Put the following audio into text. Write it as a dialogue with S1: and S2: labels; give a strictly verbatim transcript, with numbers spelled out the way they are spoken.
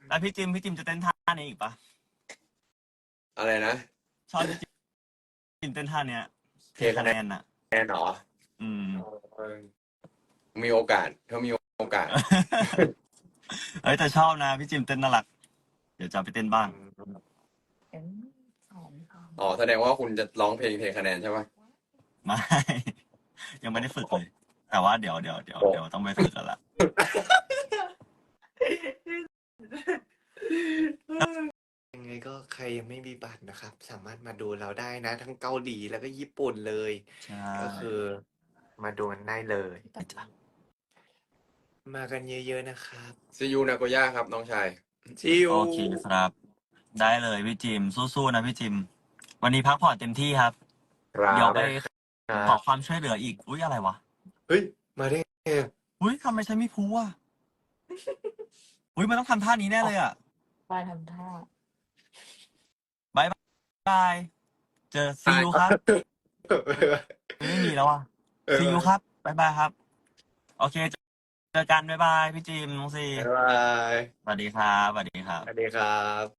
S1: แล้วพี่จิมพี่จิมจะเต้นท่านี้อีกปะ
S2: อะไรนะ
S1: ชอบพี่จิมเต้นท่าเนี้ยเท
S2: เท
S1: คะ
S2: คะ
S1: แน
S2: แนน
S1: นอ่ะ
S2: แน่นหรอ
S1: อืม
S2: เออมีโอกาสถ้ามีโอกาส
S1: เอ้ยแต่ชอบนะพี่จิมเต้นน่ารัก เดี๋ยวจะเอาไปเต้นบ้าง
S3: เอ็มสองสาม
S2: อ๋อแสดงว่าคุณจะร้องเพลงเทคะแนนใช่ปะ
S1: ไม่ ยังไม่ได้ฝึกเลย แต่ว่าเดี๋ยวเดี๋ยวเดี๋ยวเดี๋ยวต้องไปฝึกกันละ
S4: ยังไงก็ใครยังไม่มีบัตรนะครับ สามารถมาดูเราได้นะ ทั้งเกาหลีแล้วก็ญี่ปุ่นเลย
S1: ใช่
S4: ก็คือมาดูกันได้เลย มากันเยอะๆนะครับ
S2: ซียูนาโกย่าครับน้องชาย
S4: ชิว
S1: โอเคครับ ได้เลยพี่จิมสู้ๆนะพี่จิม วันนี้พักผ่อนเต็มที่ครับ
S2: ครับ
S1: เดี๋ยวไป
S4: ค
S1: ข
S4: รั
S1: อบ ความช่วยเหลืออีก อุ้ยอะไรวะ
S4: เฮ้ย มาได้ไง
S1: อุ้ยทำไมใช้มีพูอ่ะ อุ้ยมันต้องทำท่านี้แน่เลยอ่ะ
S3: ปลายทำท่า
S1: บายบาย เจอซีอูครับ ไม่มีแล้วอ่ะ
S4: เออ
S1: ซีอูครับบายบายครับ โอเค เจอกันบายบายพี่จิมน้องซี
S4: บ๊ายบาย
S1: สวัสดีครับสวัสดีครับ
S4: สวัสดีครับ